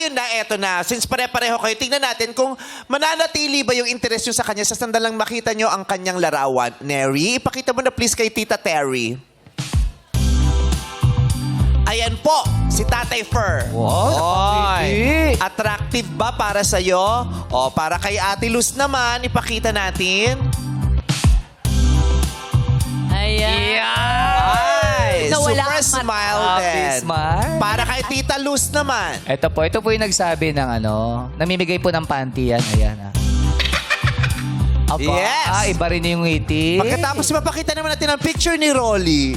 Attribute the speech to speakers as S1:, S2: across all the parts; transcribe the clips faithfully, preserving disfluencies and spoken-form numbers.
S1: Yun na, eto na. Since pare-pareho kayo, tingnan natin kung mananatili ba yung interest nyo sa kanya sa sandalang makita nyo ang kanyang larawan. Neri, ipakita mo na please kay Tita Terry. Ayan po, si Tatay Fer.
S2: Wow,
S1: Oy, attractive ba para sa'yo? O, para kay Ate Luz naman, ipakita natin.
S3: Ayan.
S1: Ay,
S3: Nawala
S1: super
S3: ang mata.
S1: smile
S2: Happy
S1: din.
S2: smile.
S1: Para kay Tita Luz naman.
S2: Ito po, ito po yung nagsabi ng ano, namimigay po ng panty yan. Ayan ah. Aba,
S1: Yes.
S2: ah, iba rin yung ngiti.
S1: Pagkatapos mapakita naman natin ang picture ni Rolly.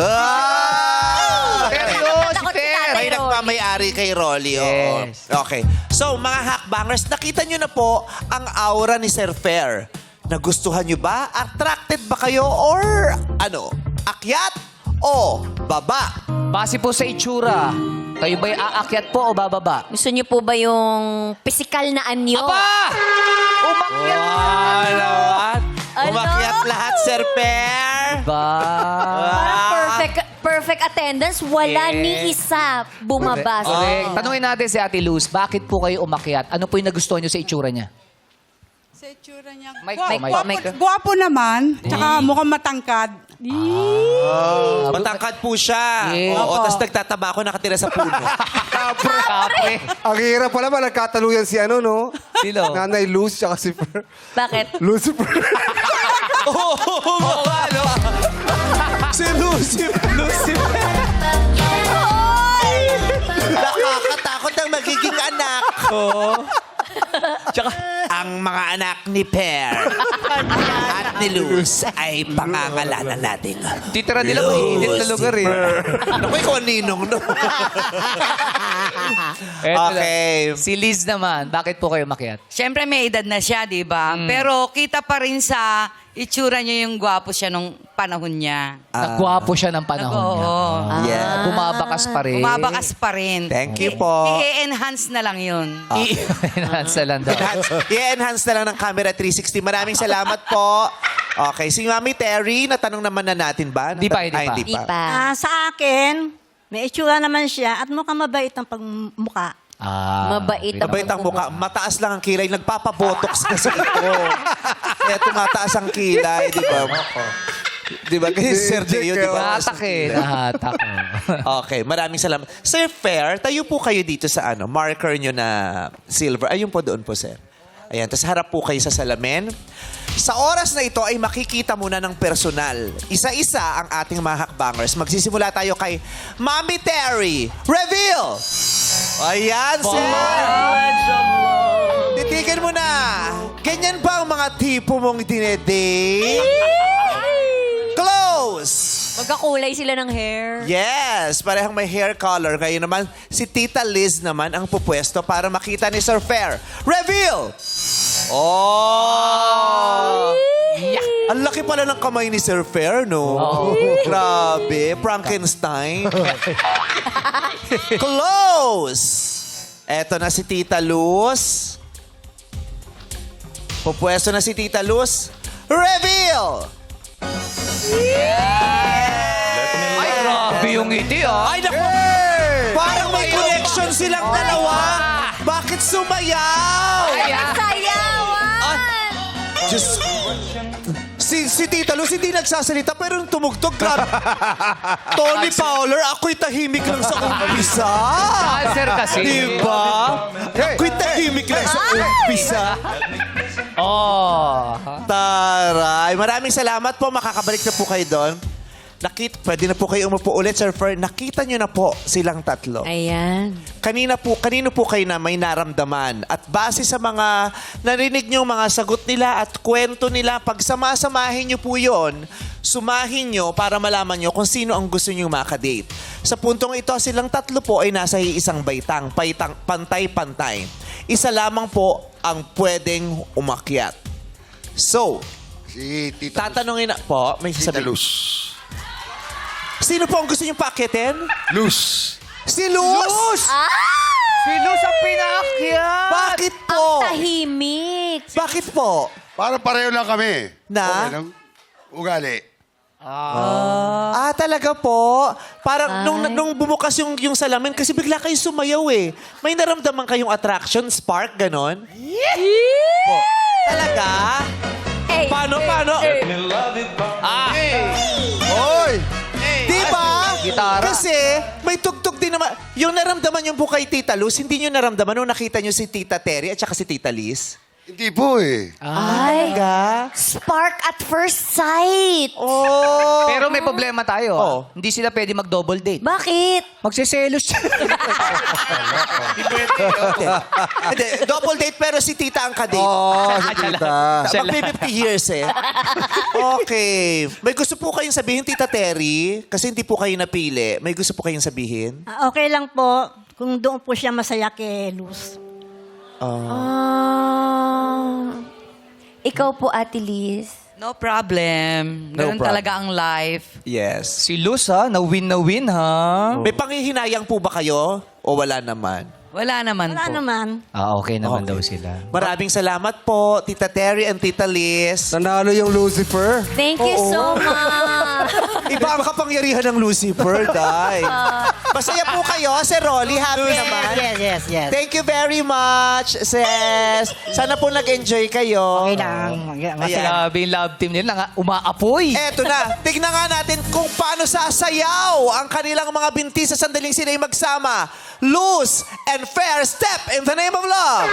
S1: Ah!
S2: Seryoso,
S3: Takot si
S2: Ter.
S3: Tatay
S1: May
S3: Rolly.
S1: nagmamayari kay Rolly. Oo.
S2: Yes.
S1: Okay. So, mga hackbangers, nakita nyo na po ang aura ni Sir Fair. Nagustuhan nyo ba? Attracted ba kayo? Or ano? Akyat o baba?
S2: Base po sa itsura, kayo ba'y aakyat po o bababa?
S3: Gusto niyo po ba yung physical na anyo?
S2: Aba! Umakyat na
S1: Ano?
S3: Ano?
S1: Umakyat lahat, Sir Fair.
S2: ba?
S3: Parang perfect, perfect attendance. Wala
S2: Yes.
S3: ni isa bumaba.
S2: Correct. Tanungin natin si Ate Luz, bakit po kayo umakyat? Ano po yung nagustuhan nyo sa itsura niya?
S4: Sa itsura niya.
S2: Mic
S4: Gwa-
S2: po, mic.
S4: gwapo,
S2: Mic.
S4: gwapo naman. Tsaka mukhang matangkad.
S1: Oh, matangkad po siya.
S2: Yes.
S1: Oo,
S4: Opo.
S1: tapos nagtataba ako nakatira sa puno.
S2: Kapre.
S5: Ang hirap pala ba, nagkataluyan si ano, no?
S2: Sino?
S5: Nanay Luz, tsaka si Fer.
S3: Bakit?
S5: Lucifer.
S1: Oo, ano? Si Lucy. Lucy. Nakakatakot ang magiging anak ko. Tsaka, ang mga anak ni Per at ni Luz ay pangangalanan natin.
S2: Titira nila mainit na lugar eh.
S1: Naku, ikaw ang ninong, no?
S2: Eto na.
S1: Okay.
S2: Si Liz naman, bakit po kayo umakyat?
S6: Siyempre may edad na siya, di ba? Pero kita pa rin sa itsura niya yung gwapo siya nung panahon niya.
S2: Nagwapo siya ng panahon
S6: Nag-
S2: niya.
S6: oo.
S2: Ah.
S1: Yeah.
S2: Bumabakas pa rin.
S6: Bumabakas pa rin.
S1: Thank you po.
S6: I-enhance na lang yun.
S2: I-enhance na lang daw.
S1: Enhance, i-enhance na lang ng camera three sixty. Maraming salamat po. Okay, si Mami Terry, natanong naman na natin ba?
S2: Di pa, di
S1: Ay,
S2: pa.
S1: hindi
S3: Di
S1: pa.
S3: pa.
S7: Ah, sa akin, may itsura naman siya at mukhang mabait ang pagmukha.
S2: Ah,
S3: Mabait ang
S1: Mabait ang mukha. Mataas lang ang kilay. Nagpapabotox kasi ito. Kaya tumataas ang kilay, di ba? Di ba? Kasi si Sir Deo, di ba?
S2: Nahatak eh. Nahatak.
S1: Okay, maraming salamat. Sir Fair, tayo po kayo dito sa ano, marker nyo na silver. Ayun po doon po, sir. Ayan, tapos harap po kayo sa salamin. Sa oras na ito ay makikita muna ng personal. Isa-isa ang ating mga hakbangers. Magsisimula tayo kay Mami Terry. Reveal! Ayan, sir! Titigan mo na. Ganyan ba ang mga tipo mong dinedate? Close!
S3: Magkakulay sila ng hair.
S1: Yes, parehang may hair color. Ngayon naman, si Tita Liz naman ang pupwesto para makita ni Sir Fair. Reveal! Oh! Ang laki pala ng kamay ni Sir Fair, no? Grabe, Frankenstein. Close! Eto na si Tita Luz. Pupwesto na si Tita Luz. Reveal!
S2: Ay, grabe yung ngiti ah.
S1: Ay, naku! Parang may connection silang dalawa. Bakit sumayaw?
S3: Sayawan!
S1: Diyos. Si, si Tita Luz hindi nagsasalita pero nung tumugtog, grabe. Tony Fowler, ako'y tahimik lang sa umpisa.
S2: Cancer kasi.
S1: Diba? Ako'y tahimik lang sa umpisa.
S2: Oh.
S1: Taray. Maraming salamat po. Makakabalik na po kayo doon. Nakita, pwede na po kayo umupo ulit, Sir Fer. Nakita nyo na po silang tatlo.
S3: Ayan.
S1: Kanina po, kanino po kayo na may naramdaman? At base sa mga narinig nyo, mga sagot nila at kwento nila, pag samasamahin nyo po yun, sumahin nyo para malaman nyo kung sino ang gusto nyo makadate. Sa puntong ito, silang tatlo po ay nasa isang baitang, paitang, pantay-pantay. Isa lamang po ang pwedeng umakyat. So,
S8: Si Tita
S1: tatanungin na po, may
S8: Tita
S1: sasabihin.
S8: Luz.
S1: Sino po ang gusto nyo paakyatin?
S8: Luz.
S1: Si Luz!
S2: Si Luz ang pinaakyat.
S1: Bakit po?
S3: Tahimik.
S1: Bakit po?
S8: Para pareho lang kami.
S1: Na?
S8: Okay lang. Ugali.
S1: Ah, talaga po? Parang nung, nung bumukas yung, yung salamin, kasi bigla kayo sumayaw eh. May naramdaman kayong attraction, spark, ganon? Po. Talaga?
S3: Hey,
S1: Paano,
S3: hey,
S1: paano?
S3: hey.
S5: Oy!
S1: Di ba?
S2: Gitara.
S1: Kasi may tugtog din naman. Yung naramdaman yung po kay Tita Luz, hindi nyo naramdaman nung nakita nyo si Tita Terry at saka si Tita Liz?
S8: Hindi po eh.
S3: Ay,
S1: Talaga?
S3: spark at first sight.
S1: Oh!
S2: Pero may problema tayo.
S1: Oh.
S2: ah. Hindi sila pwede mag-double date.
S3: Bakit?
S2: Magsiselos siya.
S1: Hindi. Hindi. Double date pero si Tita ang kadate.
S5: Oh, si tita.
S1: Magpi-fifty years eh. Okay. May gusto po kayong sabihin, Tita Terry? Kasi hindi po kayo napili. May gusto po kayong sabihin?
S7: Ah, okay lang po kung doon po siya masaya kay Luz.
S3: Ah. Ikaw po, Ate Liz.
S6: No problem.
S1: No
S6: Ganun
S1: problem.
S6: talaga ang life.
S1: Yes.
S2: Si Luz ha, na-win na win ha.
S1: May panghihinayang po ba kayo? O wala naman?
S6: Wala naman
S7: Wala
S6: po.
S7: naman.
S2: Ah, okay naman
S1: Okay.
S2: daw sila.
S1: Maraming salamat po, Tita Terry and Tita Liz.
S5: Nanalo yung Lucifer.
S3: Thank you so much.
S1: Iba ang kapangyarihan ng Lucifer, Day. Masaya po kayo, Sir Rolly. Happy naman.
S7: Yes, yes, yes.
S1: Thank you very much, sis. Sana po nag-enjoy kayo.
S7: Okay lang.
S1: Ayan.
S2: Grabe yung love team nila, nga umaapoy.
S1: Eto na, tignan nga natin kung paano sasayaw ang kanilang mga binti sa sandaling sila'y magsama. Loose and fair step in the name of love.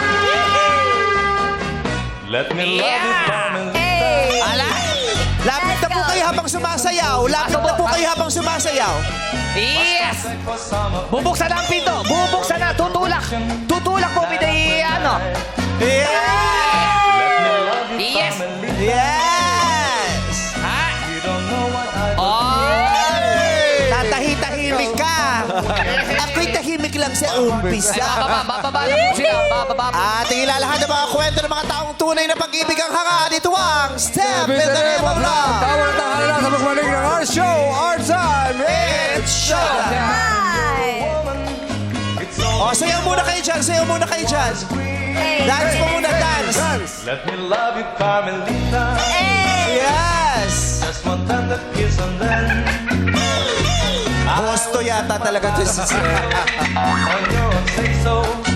S9: Let me love you, darling.
S3: Hey!
S1: Lapit na po kayo habang sumasayaw. Lapit na po kayo habang sumasayaw.
S2: Yes! Bubuksan na ang pinto. Bubuksan na. Tutulak. Tutulak po, biday, ano.
S1: Yeah!
S2: Yes!
S1: Yes!
S2: Ha?
S1: Oh! Tatahi-tahimik ka. Ako'y tahimik lang sa umpisa.
S2: Bababa, bababa na po sila. Bababa.
S1: At ilalahan ng mga kwento ng mga taong tunay na pag-ibig ang hanga. Dito ang Step in the Name of Love.
S5: Tama na tayo na sa magmalig ng our show, our time.
S1: It's showtime! O, sayaw muna kayo dyan. Sayaw muna kayo dyan. Dance mo muna, dance.
S9: Let me love you, Carmelita.
S1: Yes!
S9: Just one tender kiss and then
S1: Gusto yata talaga to si
S9: on your say so.